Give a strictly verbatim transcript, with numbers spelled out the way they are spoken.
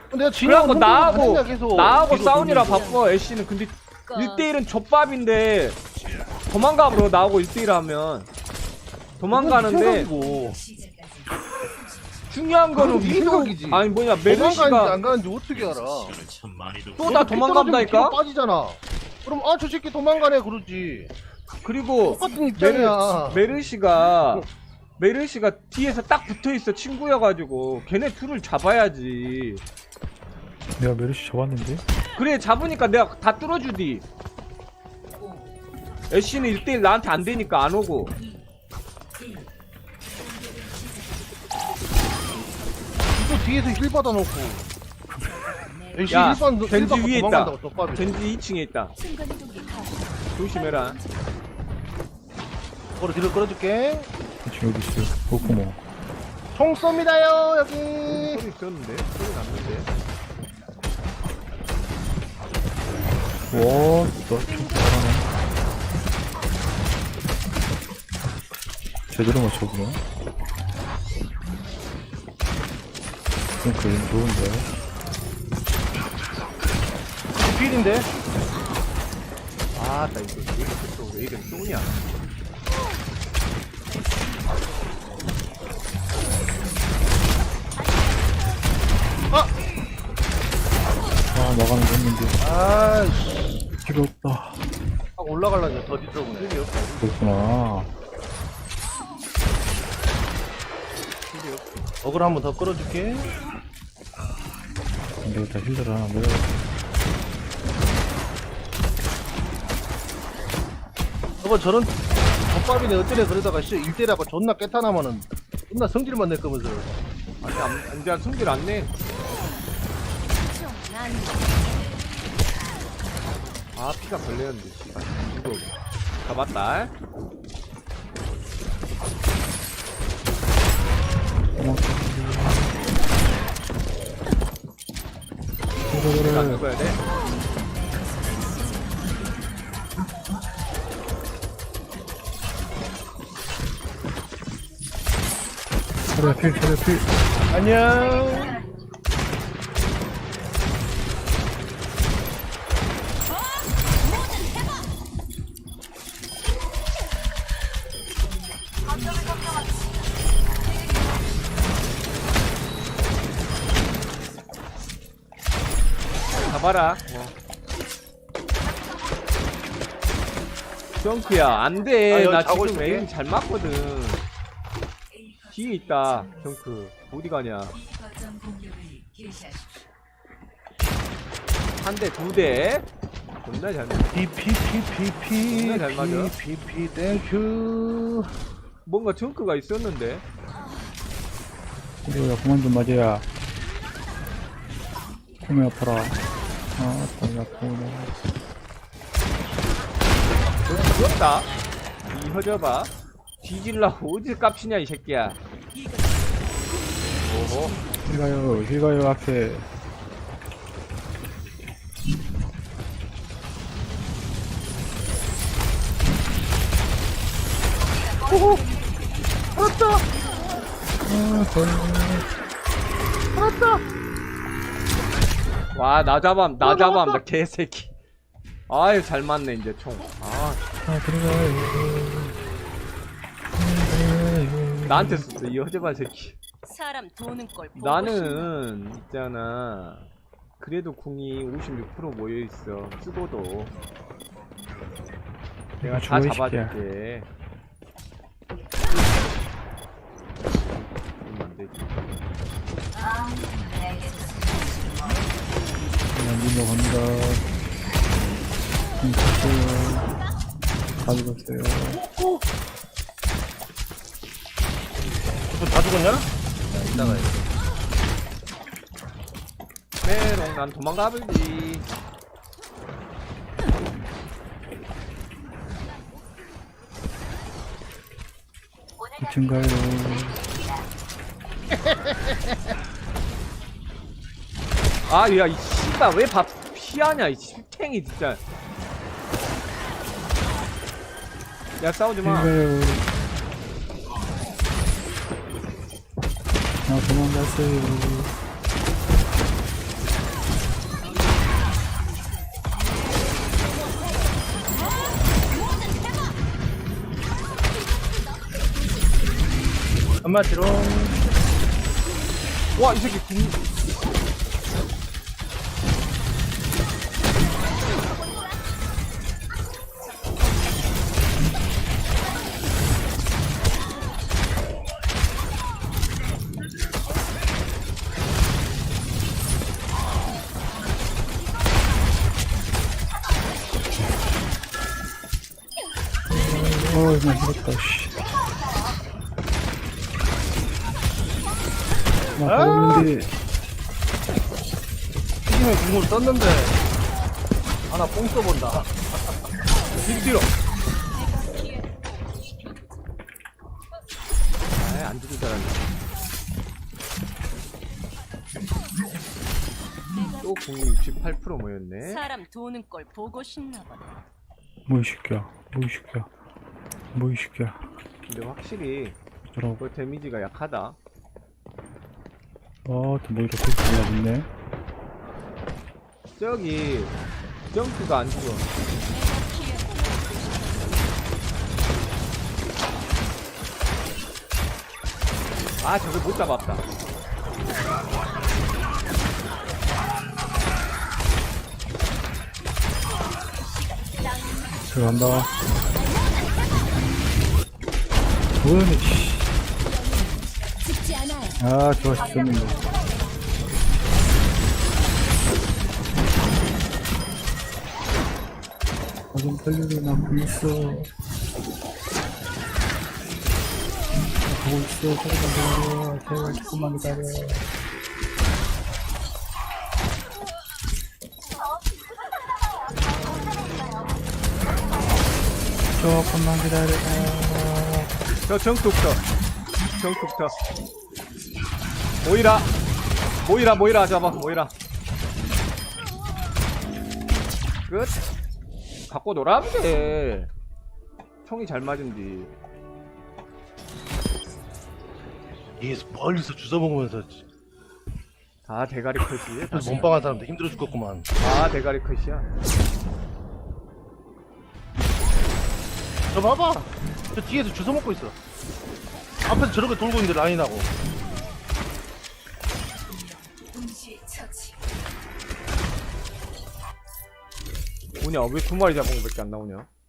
내가 진영 그래갖고 나하고 계속 나하고 뒤로 싸우니라 돌면서. 바꿔. 애쉬는 근데 일 대일은 족밥인데 도망가 버려. 나하고 일 대일 하면 도망가는데 생각이고. 중요한 거는 그건 네 위도 생각이지. 아니 뭐냐 도망가는지 메르시가 안 가는지 어떻게 알아? 또 나 도망간다니까. 뒤로 빠지잖아. 그럼 아 저 새끼 도망가네 그러지. 그리고 똑같은 입장이야. 메르, 메르시가 메르시가 뒤에서 딱 붙어있어. 친구여가지고 걔네 둘을 잡아야지. 내가 메르시 잡았는데? 그래 잡으니까 내가 다 뚫어주디. 애쉬는 일 대일 나한테 안 되니까 안 오고. 또 뒤에서 힐 받아놓고. 애쉬 야, 힐 받- 힐 겐지 받고 위에 있다. 도망간다고 또 빠져. 겐지 이 층에 있다. 조심해라. 그걸 뒤로 끌어줄게. 지금 여기 있어요. 그렇구먼. 총 쏩니다요 여기. 소리 들었는데? 소리 났는데? 와, 너좀 잘하네. 제대로 맞춰보네. 좀 그림 좋은데. 필인데. 아, 나 이거 왜 이렇게 또, 왜 이렇게 쏘냐? 아, 나가는 거 했는데. 아이씨. 필요 없다. 아 올라가려니 더 뒤져보네. 필요 없어. 그렇구나. 필요 없어. 어글 한번 더 끌어줄게. 근데 다 힐러를 하나 내가. 저거 저런 덮밥이네 어쩌래 그러다가 씨 일대라고 존나 깨타나면은 존나 성질만 낼 거면서. 아니, 안, 이제 성질 안 내. 아, 피가 걸렸는데, 씨발. 이거, 잡았다. 내가 안 그래. 죽어야 돼? 차려 필, 차려 필. 안녕. 잡아라. 어. 정크야, 안 돼. 아, 여기 나 자고 지금 있을게. 에임 잘 맞거든. 뒤에 있다, 정크. 어디 가냐. 한 대, 두 대. 존나 잘 맞아. 피피피피피 존나 잘 맞아. 피피피 땡큐. 뭔가 정크가 있었는데. 그래야 그만 좀 맞아야. 몸이 아파라. 아, 다리 아프네. 너무 귀엽다. 이 허져봐. 뒤질라고 어디 깝치냐, 이 새끼야. 오호. 힐 가요, 힐 가요, 앞에. 오호. 알았다. 아, 거의. 알았다. 와, 나 잡암, 나 어, 잡암, 나왔다. 나 개새끼. 아유, 잘 맞네, 이제 총. 아, 아, 들어가요. 나한테 썼어, 이 허져봐, 새끼. 사람 도는 걸 보고 싶나? 나는 있잖아. 그래도 궁이 오십육 퍼센트 모여있어. 쓰고도 내가 다 죽어, 이 새끼야. 잡아줄게. 그러면 안 되지. 그냥 민호 갑니다. 음, 갔어요. 가져갔어요. 다 죽었냐? 야, 이따가 해. 메롱, 난 도망가버리지. 이 층 가요. 아, 야, 이 씨발, 왜 밥 피하냐, 이 씹탱이, 진짜. 야, 싸우지 마. 가요. 아, 도망갔어요. 한마디로 와, 이 새끼 궁. 어, 이거 힘들었다, 씨. 나 가봤는데, 튀김에 국물 썼는데 하나 뽕 써본다. 뒤로 뒤로. 아이, 안 죽을 줄 알았네. 또 공이 육십팔 퍼센트 모였네. 사람 도는 걸 보고 싶나 보다. 뭐 이 새끼야, 뭐 이 새끼야, 뭐 이 새끼야. 근데 확실히 저라고. 그 데미지가 약하다. 아, 또 뭐 이렇게 올라붙네. 저기 점프가 안 죽어. 아, 저걸 못 잡았다. 들어간다. 뭐야, 씨. 아, 좋아, 죽였는데. 아, 좀 빨리 나 보고 있어. 나 보고 있어. 조금만 기다려. 제발 조금만 기다려. 조금만 기다려. 저 정tuk터. 정tuk터. 모이라. 모이라, 모이라 잡아, 모이라. 끝. 갖고 놀아면 돼. 총이 잘 맞은디. 이게 멀리서 주워 먹으면서 다 대가리 컷이야. 다, 몸빵한 사람들 힘들어 죽겠구만. 다 대가리 컷이야. 저 봐봐. 저 뒤에서 주워 먹고 있어. 앞에서 저렇게 돌고 있는데 라인하고. 뭐냐, 왜 두 마리 잡은 거밖에 안 나오냐?